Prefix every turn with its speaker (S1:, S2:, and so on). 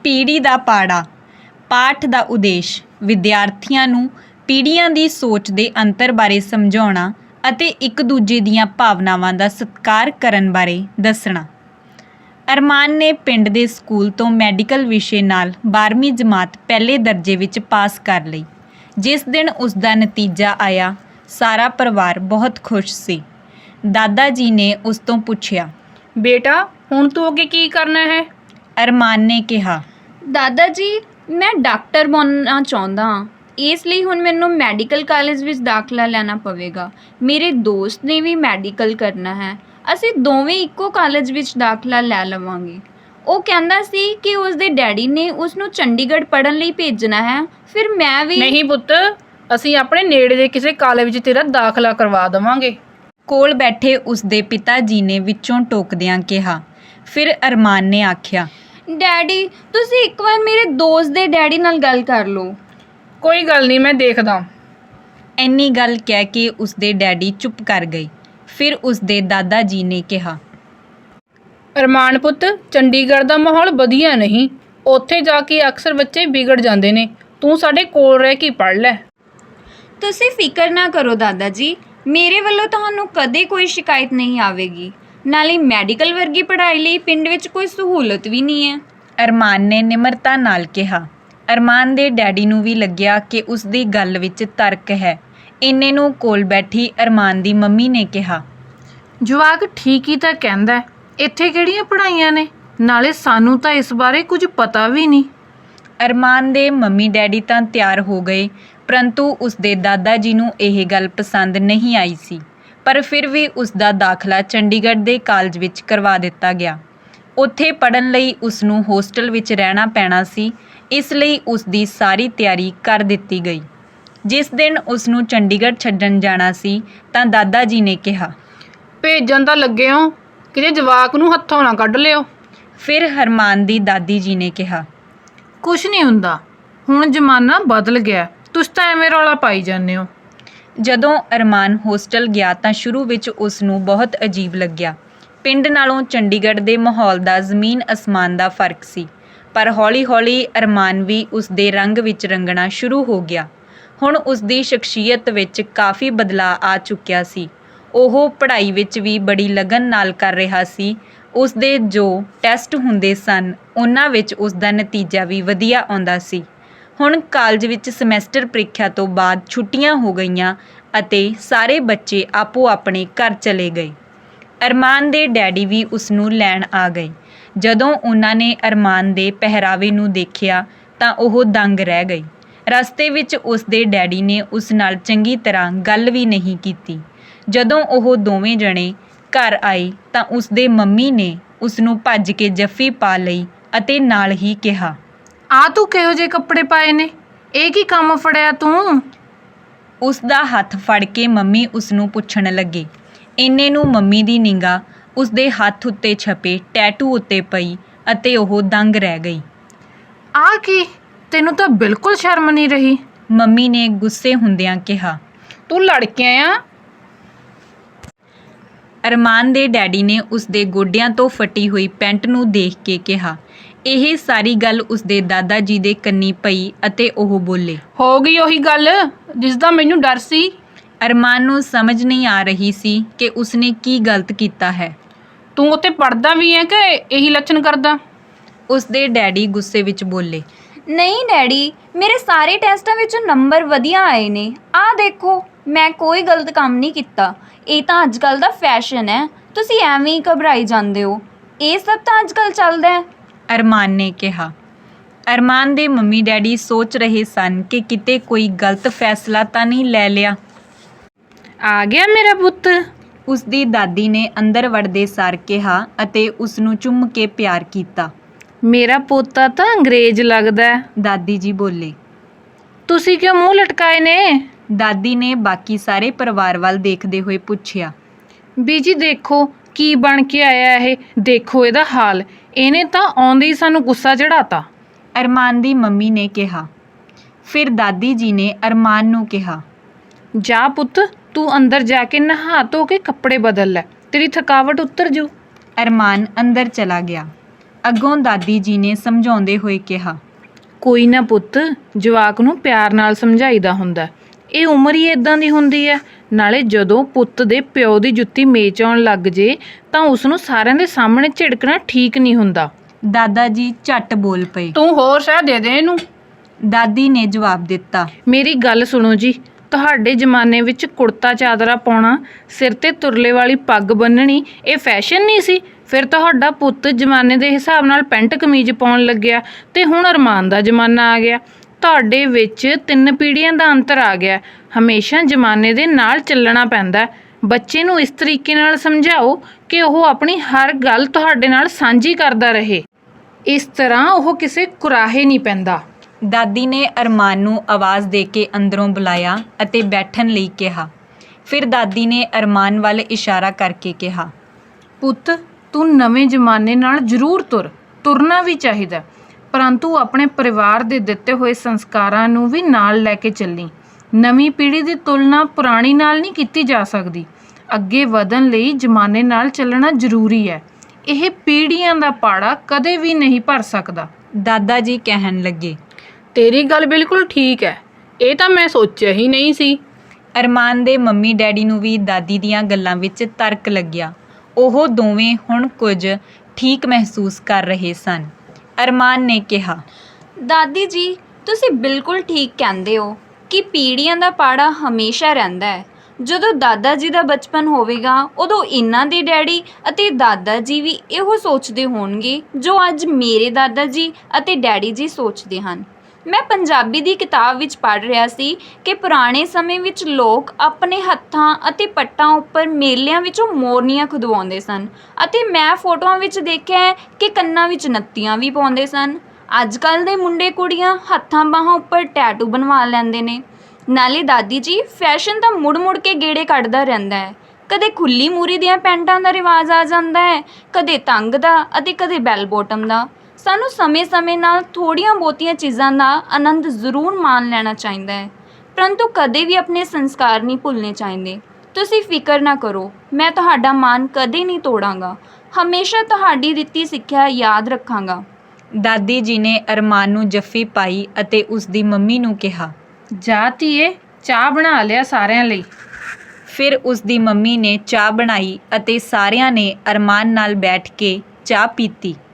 S1: ਪੀੜ੍ਹੀ ਦਾ ਪਾੜਾ। ਪਾਠ ਦਾ ਉਦੇਸ਼ ਵਿਦਿਆਰਥੀਆਂ ਨੂੰ ਪੀੜ੍ਹੀਆਂ ਦੀ ਸੋਚ ਦੇ ਅੰਤਰ ਬਾਰੇ ਸਮਝਾਉਣਾ ਅਤੇ ਇੱਕ ਦੂਜੇ ਦੀਆਂ ਭਾਵਨਾਵਾਂ ਦਾ ਸਤਿਕਾਰ ਕਰਨ ਬਾਰੇ ਦੱਸਣਾ। ਅਰਮਾਨ ਨੇ ਪਿੰਡ ਦੇ ਸਕੂਲ ਤੋਂ ਮੈਡੀਕਲ ਵਿਸ਼ੇ ਨਾਲ 12ਵੀਂ ਜਮਾਤ ਪਹਿਲੇ ਦਰਜੇ ਵਿੱਚ ਪਾਸ ਕਰ ਲਈ। ਜਿਸ ਦਿਨ ਉਸ ਦਾ ਨਤੀਜਾ ਆਇਆ, ਸਾਰਾ ਪਰਿਵਾਰ ਬਹੁਤ ਖੁਸ਼ ਸੀ। ਦਾਦਾ ਜੀ ਨੇ ਉਸ ਤੋਂ ਪੁੱਛਿਆ,
S2: ਬੇਟਾ ਹੁਣ ਤੂੰ ਅੱਗੇ ਕੀ ਕਰਨਾ ਹੈ?
S1: ਅਰਮਾਨ ਨੇ ਕਿਹਾ,
S3: ਦਾਦਾ ਜੀ ਮੈਂ ਡਾਕਟਰ ਬਣਨਾ ਚਾਹੁੰਦਾ ਹਾਂ, ਇਸ ਲਈ ਹੁਣ ਮੈਨੂੰ ਮੈਡੀਕਲ ਕਾਲਜ ਵਿੱਚ ਦਾਖਲਾ ਲੈਣਾ ਪਵੇਗਾ। ਮੇਰੇ ਦੋਸਤ ਨੇ ਵੀ ਮੈਡੀਕਲ ਕਰਨਾ ਹੈ, ਅਸੀਂ ਦੋਵੇਂ ਇੱਕੋ ਕਾਲਜ ਵਿੱਚ ਦਾਖਲਾ ਲੈ ਲਵਾਂਗੇ। ਉਹ ਕਹਿੰਦਾ ਸੀ ਕਿ ਉਸ ਦੇ ਡੈਡੀ ਨੇ ਉਸ ਨੂੰ ਚੰਡੀਗੜ੍ਹ ਪੜ੍ਹਨ ਲਈ ਭੇਜਣਾ ਹੈ, ਫਿਰ ਮੈਂ ਵੀ।
S2: ਨਹੀਂ ਪੁੱਤ, ਅਸੀਂ ਆਪਣੇ ਨੇੜੇ ਦੇ ਕਿਸੇ ਕਾਲਜ ਵਿੱਚ ਤੇਰਾ ਦਾਖਲਾ ਕਰਵਾ ਦੇਵਾਂਗੇ।
S1: ਕੋਲ ਬੈਠੇ ਉਸ ਦੇ ਪਿਤਾ ਜੀ ਨੇ ਵਿੱਚੋਂ ਟੋਕਦਿਆਂ ਕਿਹਾ। ਫਿਰ ਅਰਮਾਨ ਨੇ ਆਖਿਆ,
S3: ਡੈਡੀ ਤੁਸੀਂ ਇੱਕ ਵਾਰ ਮੇਰੇ ਦੋਸਤ ਦੇ ਡੈਡੀ ਨਾਲ ਗੱਲ ਕਰ ਲਓ।
S2: ਕੋਈ ਗੱਲ ਨਹੀਂ, ਮੈਂ ਦੇਖਦਾ।
S1: ਇੰਨੀ ਗੱਲ ਕਹਿ ਕੇ ਉਸ ਦੇ ਡੈਡੀ ਚੁੱਪ ਕਰ ਗਏ। ਫਿਰ ਉਸ ਦੇ ਦਾਦਾ ਜੀ ਨੇ ਕਿਹਾ,
S2: ਅਰਮਾਨ ਪੁੱਤ, ਚੰਡੀਗੜ੍ਹ ਦਾ ਮਾਹੌਲ ਵਧੀਆ ਨਹੀਂ, ਉੱਥੇ ਜਾ ਕੇ ਅਕਸਰ ਬੱਚੇ ਵਿਗੜ ਜਾਂਦੇ ਨੇ। ਤੂੰ ਸਾਡੇ ਕੋਲ ਰਹਿ ਕੇ ਪੜ੍ਹ ਲੈ।
S3: ਤੁਸੀਂ ਫਿਕਰ ਨਾ ਕਰੋ ਦਾਦਾ ਜੀ, ਮੇਰੇ ਵੱਲੋਂ ਤੁਹਾਨੂੰ ਕਦੇ ਕੋਈ ਸ਼ਿਕਾਇਤ ਨਹੀਂ ਆਵੇਗੀ। ਨਾਲੇ ਮੈਡੀਕਲ ਵਰਗੀ ਪੜ੍ਹਾਈ ਲਈ ਪਿੰਡ ਵਿੱਚ ਕੋਈ ਸਹੂਲਤ ਵੀ ਨਹੀਂ ਹੈ।
S1: ਅਰਮਾਨ ਨੇ ਨਿਮਰਤਾ ਨਾਲ ਕਿਹਾ। ਅਰਮਾਨ ਦੇ ਡੈਡੀ ਨੂੰ ਵੀ ਲੱਗਿਆ ਕਿ ਉਸ ਦੀ ਗੱਲ ਵਿੱਚ ਤਰਕ ਹੈ। ਇੰਨੇ ਨੂੰ ਕੋਲ ਬੈਠੀ ਅਰਮਾਨ ਦੀ ਮੰਮੀ ਨੇ ਕਿਹਾ,
S4: ਜਵਾਕ ਠੀਕ ਹੀ ਤਾਂ ਕਹਿੰਦਾ, ਇੱਥੇ ਕਿਹੜੀਆਂ ਪੜ੍ਹਾਈਆਂ ਨੇ, ਨਾਲੇ ਸਾਨੂੰ ਤਾਂ ਇਸ ਬਾਰੇ ਕੁਝ ਪਤਾ ਵੀ ਨਹੀਂ।
S1: ਅਰਮਾਨ ਦੇ ਮੰਮੀ ਡੈਡੀ ਤਾਂ ਤਿਆਰ ਹੋ ਗਏ, ਪਰੰਤੂ ਉਸ ਦੇ ਦਾਦਾ ਜੀ ਨੂੰ ਇਹ ਗੱਲ ਪਸੰਦ ਨਹੀਂ ਆਈ ਸੀ। ਪਰ ਫਿਰ ਵੀ ਉਸ ਦਾ ਦਾਖਲਾ ਚੰਡੀਗੜ੍ਹ ਦੇ ਕਾਲਜ ਵਿੱਚ ਕਰਵਾ ਦਿੱਤਾ ਗਿਆ। ਉੱਥੇ ਪੜ੍ਹਨ ਲਈ ਉਸ ਨੂੰ ਹੋਸਟਲ ਵਿੱਚ ਰਹਿਣਾ ਪੈਣਾ ਸੀ, ਇਸ ਲਈ ਉਸ ਦੀ ਸਾਰੀ ਤਿਆਰੀ ਕਰ ਦਿੱਤੀ ਗਈ। ਜਿਸ ਦਿਨ ਉਸ ਨੂੰ ਚੰਡੀਗੜ੍ਹ ਛੱਡਣ ਜਾਣਾ ਸੀ ਤਾਂ ਦਾਦਾ ਜੀ ਨੇ ਕਿਹਾ,
S2: ਭੇਜਣ ਤਾਂ ਲੱਗੇ ਹੋ, ਕਿਤੇ ਜਵਾਕ ਨੂੰ ਹੱਥੋਂ ਨਾ ਕੱਢ ਲਿਓ।
S1: ਫਿਰ ਅਰਮਾਨ ਦੀ ਦਾਦੀ ਜੀ ਨੇ ਕਿਹਾ,
S4: ਕੁਛ ਨਹੀਂ ਹੁੰਦਾ, ਹੁਣ ਜ਼ਮਾਨਾ ਬਦਲ ਗਿਆ, ਤੁਸੀਂ ਤਾਂ ਐਵੇਂ ਰੌਲਾ ਪਾਈ ਜਾਂਦੇ ਹੋ।
S1: ਜਦੋਂ ਅਰਮਾਨ ਹੋਸਟਲ ਗਿਆ ਤਾਂ ਸ਼ੁਰੂ ਵਿੱਚ ਉਸ ਨੂੰ ਬਹੁਤ ਅਜੀਬ ਲੱਗਿਆ। ਪਿੰਡ ਨਾਲੋਂ ਚੰਡੀਗੜ੍ਹ ਦੇ ਮਾਹੌਲ ਦਾ ਜ਼ਮੀਨ ਅਸਮਾਨ ਦਾ ਫਰਕ ਸੀ। ਪਰ ਹੌਲੀ-ਹੌਲੀ ਅਰਮਾਨ ਵੀ ਉਸ ਦੇ ਰੰਗ ਵਿੱਚ ਰੰਗਣਾ ਸ਼ੁਰੂ ਹੋ ਗਿਆ। ਹੁਣ ਉਸ ਦੀ ਸ਼ਖਸੀਅਤ ਵਿੱਚ ਕਾਫੀ ਬਦਲਾਅ ਆ ਚੁੱਕਿਆ ਸੀ। ਉਹ ਪੜ੍ਹਾਈ ਵਿੱਚ ਵੀ ਬੜੀ ਲਗਨ ਨਾਲ ਕਰ ਰਿਹਾ ਸੀ। ਉਸ ਦੇ ਜੋ ਟੈਸਟ ਹੁੰਦੇ ਸਨ, ਉਹਨਾਂ ਵਿੱਚ ਉਸ ਦਾ ਨਤੀਜਾ ਵੀ ਵਧੀਆ ਆਉਂਦਾ ਸੀ। ਹੁਣ ਕਾਲਜ ਵਿੱਚ ਸਮੈਸਟਰ ਪ੍ਰੀਖਿਆ ਤੋਂ ਬਾਅਦ ਛੁੱਟੀਆਂ ਹੋ ਗਈਆਂ ਅਤੇ ਸਾਰੇ ਬੱਚੇ ਆਪੋ ਆਪਣੇ ਘਰ ਚਲੇ ਗਏ। ਅਰਮਾਨ ਦੇ ਡੈਡੀ ਵੀ ਉਸ ਨੂੰ ਲੈਣ ਆ ਗਏ। ਜਦੋਂ ਉਹਨਾਂ ਨੇ ਅਰਮਾਨ ਦੇ ਪਹਿਰਾਵੇ ਨੂੰ ਦੇਖਿਆ ਤਾਂ ਉਹ ਦੰਗ ਰਹਿ ਗਏ। ਰਸਤੇ ਵਿੱਚ ਉਸ ਦੇ ਡੈਡੀ ਨੇ ਉਸ ਨਾਲ ਚੰਗੀ ਤਰ੍ਹਾਂ ਗੱਲ ਵੀ ਨਹੀਂ ਕੀਤੀ। ਜਦੋਂ ਉਹ ਦੋਵੇਂ ਜਣੇ ਘਰ ਆਏ ਤਾਂ ਉਸ ਦੇ ਮੰਮੀ ਨੇ ਉਸ ਨੂੰ ਭੱਜ ਕੇ ਜੱਫੀ ਪਾ ਲਈ ਅਤੇ ਨਾਲ ਹੀ ਕਿਹਾ,
S4: ਆ ਤੂੰ ਕਿਹੋ ਜਿਹੇ ਕੱਪੜੇ ਪਾਏ ਨੇ, ਇਹ ਕੀ ਕੰਮ ਫੜਿਆ ਤੂੰ?
S1: ਉਸ ਦਾ ਹੱਥ ਫੜ ਕੇ ਮੰਮੀ ਉਸ ਨੂੰ ਪੁੱਛਣ ਲੱਗੇ। ਇੰਨੇ ਨੂੰ ਮੰਮੀ ਦੀ ਨਿਗਾਹ ਉਸ ਦੇ ਹੱਥ ਉੱਤੇ ਛਪੇ ਟੈਟੂ ਉੱਤੇ ਪਈ ਅਤੇ ਉਹ ਦੰਗ ਰਹਿ ਗਈ।
S4: ਆ ਕੀ, ਤੈਨੂੰ ਤਾਂ ਬਿਲਕੁਲ ਸ਼ਰਮ ਨਹੀਂ ਰਹੀ।
S1: ਮੰਮੀ ਨੇ ਗੁੱਸੇ ਹੁੰਦਿਆਂ ਕਿਹਾ,
S2: ਤੂੰ ਲੜ ਕੇ ਆਇਆ?
S1: ਅਰਮਾਨ ਦੇ ਡੈਡੀ ਨੇ ਉਸ ਦੇ ਗੋਡਿਆਂ ਤੋਂ ਫਟੀ ਹੋਈ ਪੈਂਟ ਨੂੰ ਦੇਖ ਕੇ ਕਿਹਾ। ਇਹ ਸਾਰੀ ਗੱਲ ਉਸ ਦੇ ਦਾਦਾ ਜੀ ਦੇ ਕੰਨੀ ਪਈ ਅਤੇ ਉਹ ਬੋਲੇ,
S2: ਹੋ ਗਈ ਉਹੀ ਗੱਲ ਜਿਸ ਦਾ ਮੈਨੂੰ ਡਰ ਸੀ।
S1: ਅਰਮਾਨ ਨੂੰ ਸਮਝ ਨਹੀਂ ਆ ਰਹੀ ਸੀ ਕਿ ਉਸਨੇ ਕੀ ਗਲਤ ਕੀਤਾ ਹੈ।
S2: ਤੂੰ ਉੱਥੇ ਪੜ੍ਹਦਾ ਵੀ ਹੈ ਕਿ ਇਹੀ ਲੱਛਣ ਕਰਦਾ?
S1: ਉਸ ਦੇ ਡੈਡੀ ਗੁੱਸੇ ਵਿੱਚ ਬੋਲੇ,
S3: ਨਹੀਂ ਡੈਡੀ, ਮੇਰੇ ਸਾਰੇ ਟੈਸਟਾਂ ਵਿੱਚ ਨੰਬਰ ਵਧੀਆ ਆਏ ਨੇ। ਆਹ ਦੇਖੋ, ਮੈਂ ਕੋਈ ਗਲਤ ਕੰਮ ਨਹੀਂ ਕੀਤਾ। ਇਹ ਤਾਂ ਅੱਜ ਕੱਲ੍ਹ ਦਾ ਫੈਸ਼ਨ ਹੈ, ਤੁਸੀਂ ਐਵੇਂ ਹੀ ਘਬਰਾਈ ਜਾਂਦੇ ਹੋ। ਇਹ ਸਭ ਤਾਂ ਅੱਜ ਕੱਲ੍ਹ ਚੱਲਦਾ ਹੈ।
S1: ਅਰਮਾਨ ਨੇ ਕਿਹਾ। ਅਰਮਾਨ ਦੇ ਮੰਮੀ ਡੈਡੀ ਸੋਚ ਰਹੇ ਸਨ ਕਿ ਕਿਤੇ ਕੋਈ ਗਲਤ ਫੈਸਲਾ ਤਾਂ ਨਹੀਂ ਲੈ ਲਿਆ।
S4: ਆ ਗਿਆ ਮੇਰਾ ਪੁੱਤ।
S1: ਉਸ ਦੀ ਦਾਦੀ ਨੇ ਅੰਦਰ ਵੜਦੇ ਸਾਰ ਕਿਹਾ ਅਤੇ ਉਸ ਨੂੰ ਚੁੰਮ ਕੇ ਪਿਆਰ ਕੀਤਾ।
S4: ਮੇਰਾ ਪੋਤਾ ਤਾਂ ਅੰਗਰੇਜ਼ ਲੱਗਦਾ ਹੈ।
S1: ਦਾਦੀ ਜੀ ਬੋਲੇ।
S4: ਤੁਸੀਂ ਕਿਉਂ ਮੂੰਹ ਲਟਕਾਏ ਨੇ?
S1: ਦਾਦੀ ਨੇ ਬਾਕੀ ਸਾਰੇ ਪਰਿਵਾਰ ਵੱਲ ਦੇਖਦੇ ਹੋਏ ਪੁੱਛਿਆ।
S4: ਬੀਜੀ ਦੇਖੋ ਕੀ ਬਣ ਕੇ ਆਇਆ ਇਹ, ਦੇਖੋ ਇਹਦਾ ਹਾਲ, ਇਹਨੇ ਤਾਂ ਆਉਂਦੇ ਹੀ ਸਾਨੂੰ ਗੁੱਸਾ ਚੜਾਤਾ।
S1: ਅਰਮਾਨ ਦੀ ਮੰਮੀ ਨੇ ਕਿਹਾ। ਫਿਰ ਦਾਦੀ ਜੀ ਨੇ ਅਰਮਾਨ ਨੂੰ ਕਿਹਾ,
S4: ਜਾ ਪੁੱਤ, ਤੂੰ ਅੰਦਰ ਜਾ ਕੇ ਨਹਾ ਧੋ ਕੇ ਕੱਪੜੇ ਬਦਲ ਲੈ, ਤੇਰੀ ਥਕਾਵਟ ਉਤਰ ਜੂ।
S1: ਅਰਮਾਨ ਅੰਦਰ ਚਲਾ ਗਿਆ। ਅੱਗੋਂ ਦਾਦੀ ਜੀ ਨੇ ਸਮਝਾਉਂਦੇ ਹੋਏ ਕਿਹਾ,
S4: ਕੋਈ ਨਾ ਪੁੱਤ, ਜਵਾਕ ਨੂੰ ਪਿਆਰ ਨਾਲ ਸਮਝਾਈਦਾ ਹੁੰਦਾ। ਇਹ ਉਮਰ ਹੀ ਇਦਾਂ ਦੀ ਹੁੰਦੀ ਹੈ। ਨਾਲੇ ਜਦੋਂ ਪੁੱਤ ਦੇ ਪਿਓ ਦੀ ਜੁੱਤੀ ਮੇਚ ਆਉਣ ਲੱਗ ਜੇ ਤਾਂ ਉਸ ਨੂੰ ਸਾਰਿਆਂ ਦੇ ਸਾਹਮਣੇ ਝਿੜਕਣਾ ਠੀਕ ਨਹੀਂ ਹੁੰਦਾ।
S1: ਦਾਦਾ ਜੀ ਝੱਟ ਬੋਲ ਪਏ।
S2: ਤੂੰ ਹੋਰ ਸ਼ਹਿ ਦੇ ਦੇ ਇਹਨੂੰ।
S1: ਦਾਦੀ ਨੇ ਜਵਾਬ ਦਿੱਤਾ,
S4: ਮੇਰੀ ਗੱਲ ਸੁਣੋ ਜੀ, ਤੁਹਾਡੇ ਜ਼ਮਾਨੇ ਵਿੱਚ ਕੁੜਤਾ ਚਾਦਰਾ ਪਾਉਣਾ, ਸਿਰ ਤੇ ਤੁਰਲੇ ਵਾਲੀ ਪੱਗ ਬੰਨਣੀ ਇਹ ਫੈਸ਼ਨ ਨਹੀਂ ਸੀ। ਫਿਰ ਤੁਹਾਡਾ ਪੁੱਤ ਜ਼ਮਾਨੇ ਦੇ ਹਿਸਾਬ ਨਾਲ ਪੈਂਟ ਕਮੀਜ਼ ਪਾਉਣ ਲੱਗਿਆ ਤੇ ਹੁਣ ਅਰਮਾਨ ਦਾ ਜ਼ਮਾਨਾ ਆ ਗਿਆ। ਤੁਹਾਡੇ ਵਿੱਚ 3 ਪੀੜ੍ਹੀਆਂ ਦਾ ਅੰਤਰ ਆ ਗਿਆ। ਹਮੇਸ਼ਾ ਜ਼ਮਾਨੇ ਦੇ ਨਾਲ ਚੱਲਣਾ ਪੈਂਦਾ। ਬੱਚੇ ਨੂੰ ਇਸ ਤਰੀਕੇ ਨਾਲ ਸਮਝਾਓ ਕਿ ਉਹ ਆਪਣੀ ਹਰ ਗੱਲ ਤੁਹਾਡੇ ਨਾਲ ਸਾਂਝੀ ਕਰਦਾ ਰਹੇ। ਇਸ ਤਰ੍ਹਾਂ ਉਹ ਕਿਸੇ ਕੁਰਾਹੇ ਨਹੀਂ ਪੈਂਦਾ।
S1: ਦਾਦੀ ਨੇ ਅਰਮਾਨ ਨੂੰ ਆਵਾਜ਼ ਦੇ ਕੇ ਅੰਦਰੋਂ ਬੁਲਾਇਆ ਅਤੇ ਬੈਠਣ ਲਈ ਕਿਹਾ। ਫਿਰ ਦਾਦੀ ਨੇ ਅਰਮਾਨ ਵੱਲ ਇਸ਼ਾਰਾ ਕਰਕੇ ਕਿਹਾ,
S4: ਪੁੱਤ, ਤੂੰ ਨਵੇਂ ਜ਼ਮਾਨੇ ਨਾਲ ਜ਼ਰੂਰ ਤੁਰਨਾ ਵੀ ਚਾਹੀਦਾ, ਪਰੰਤੂ ਆਪਣੇ ਪਰਿਵਾਰ ਦੇ ਦਿੱਤੇ ਹੋਏ ਸੰਸਕਾਰਾਂ ਨੂੰ ਵੀ ਨਾਲ ਲੈ ਕੇ ਚੱਲੀ। ਨਵੀਂ ਪੀੜ੍ਹੀ ਦੀ ਤੁਲਨਾ ਪੁਰਾਣੀ ਨਾਲ ਨਹੀਂ ਕੀਤੀ ਜਾ ਸਕਦੀ। ਅੱਗੇ ਵਧਣ ਲਈ ਜ਼ਮਾਨੇ ਨਾਲ ਚੱਲਣਾ ਜ਼ਰੂਰੀ ਹੈ। ਇਹ ਪੀੜ੍ਹੀਆਂ ਦਾ ਪਾੜਾ ਕਦੇ ਵੀ ਨਹੀਂ ਭਰ ਸਕਦਾ।
S1: ਦਾਦਾ ਜੀ ਕਹਿਣ ਲੱਗੇ।
S2: ਤੇਰੀ ਗੱਲ ਬਿਲਕੁਲ ਠੀਕ ਹੈ। ਇਹ ਤਾਂ ਮੈਂ ਸੋਚਿਆ ਹੀ ਨਹੀਂ ਸੀ।
S1: ਅਰਮਾਨ ਦੇ ਮੰਮੀ ਡੈਡੀ ਨੂੰ ਵੀ ਦਾਦੀ ਦੀਆਂ ਗੱਲਾਂ ਵਿੱਚ ਤਰਕ ਲੱਗਿਆ। ਉਹ ਦੋਵੇਂ ਹੁਣ ਕੁਝ ਠੀਕ ਮਹਿਸੂਸ ਕਰ ਰਹੇ ਸਨ। ਅਰਮਾਨ ਨੇ ਕਿਹਾ,
S3: ਦਾਦੀ ਜੀ ਤੁਸੀਂ ਬਿਲਕੁਲ ਠੀਕ ਕਹਿੰਦੇ ਹੋ ਕਿ ਪੀੜ੍ਹੀਆਂ ਦਾ ਪਾੜਾ ਹਮੇਸ਼ਾ ਰਹਿੰਦਾ ਹੈ। ਜਦੋਂ ਦਾਦਾ ਜੀ ਦਾ ਬਚਪਨ ਹੋਵੇਗਾ ਉਦੋਂ ਇਹਨਾਂ ਦੇ ਡੈਡੀ ਅਤੇ ਦਾਦਾ ਜੀ ਵੀ ਇਹੋ ਸੋਚਦੇ ਹੋਣਗੇ ਜੋ ਅੱਜ ਮੇਰੇ ਦਾਦਾ ਜੀ ਅਤੇ ਡੈਡੀ ਜੀ ਸੋਚਦੇ ਹਨ। ਮੈਂ ਪੰਜਾਬੀ ਦੀ ਕਿਤਾਬ ਵਿੱਚ ਪੜ੍ਹ ਰਿਹਾ ਸੀ ਕਿ ਪੁਰਾਣੇ ਸਮੇਂ ਵਿੱਚ ਲੋਕ ਆਪਣੇ ਹੱਥਾਂ ਅਤੇ ਪੱਟਾਂ ਉੱਪਰ ਮੇਲਿਆਂ ਵਿੱਚੋਂ ਮੋਰਨੀਆਂ ਖੁਦਵਾਉਂਦੇ ਸਨ ਅਤੇ ਮੈਂ ਫੋਟੋਆਂ ਵਿੱਚ ਦੇਖਿਆ ਹੈ ਕਿ ਕੰਨਾਂ ਵਿੱਚ ਨੱਤੀਆਂ ਵੀ ਪਾਉਂਦੇ ਸਨ। ਅੱਜ ਕੱਲ੍ਹ ਦੇ ਮੁੰਡੇ ਕੁੜੀਆਂ ਹੱਥਾਂ ਬਾਹਾਂ ਉੱਪਰ ਟੈਟੂ ਬਣਵਾ ਲੈਂਦੇ ਨੇ। ਨਾਲੇ ਦਾਦੀ ਜੀ ਫੈਸ਼ਨ ਤਾਂ ਮੁੜ ਕੇ ਗੇੜੇ ਕੱਢਦਾ ਰਹਿੰਦਾ ਹੈ। ਕਦੇ ਖੁੱਲੀ ਮੂਰੀ ਦੀਆਂ ਪੈਂਟਾਂ ਦਾ ਰਿਵਾਜ ਆ ਜਾਂਦਾ ਹੈ, ਕਦੇ ਤੰਗ ਦਾ ਅਤੇ ਕਦੇ ਬੈਲ ਬੋਟਮ ਦਾ। ਸਾਨੂੰ ਸਮੇਂ-ਸਮੇਂ ਨਾਲ ਥੋੜ੍ਹੀਆਂ ਬਹੁਤੀਆਂ ਚੀਜ਼ਾਂ ਦਾ ਆਨੰਦ ਜ਼ਰੂਰ ਮਾਣ ਲੈਣਾ ਚਾਹੀਦਾ ਹੈ, ਪਰੰਤੂ ਕਦੇ ਵੀ ਆਪਣੇ ਸੰਸਕਾਰ ਨਹੀਂ ਭੁੱਲਣੇ ਚਾਹੀਦੇ। ਤੁਸੀਂ ਫਿਕਰ ਨਾ ਕਰੋ, ਮੈਂ ਤੁਹਾਡਾ ਮਾਣ ਕਦੇ ਨਹੀਂ ਤੋੜਾਂਗਾ। ਹਮੇਸ਼ਾ ਤੁਹਾਡੀ ਦਿੱਤੀ ਸਿੱਖਿਆ ਯਾਦ ਰੱਖਾਂਗਾ।
S1: ਦਾਦੀ ਜੀ ਨੇ ਅਰਮਾਨ ਨੂੰ ਜੱਫੀ ਪਾਈ ਅਤੇ ਉਸ ਦੀ ਮੰਮੀ ਨੂੰ ਕਿਹਾ,
S4: ਜਾ ਧੀਏ, ਚਾਹ ਬਣਾ ਲਿਆ ਸਾਰਿਆਂ ਲਈ।
S1: ਫਿਰ ਉਸ ਦੀ ਮੰਮੀ ਨੇ ਚਾਹ ਬਣਾਈ ਅਤੇ ਸਾਰਿਆਂ ਨੇ ਅਰਮਾਨ ਨਾਲ ਬੈਠ ਕੇ ਚਾਹ ਪੀਤੀ।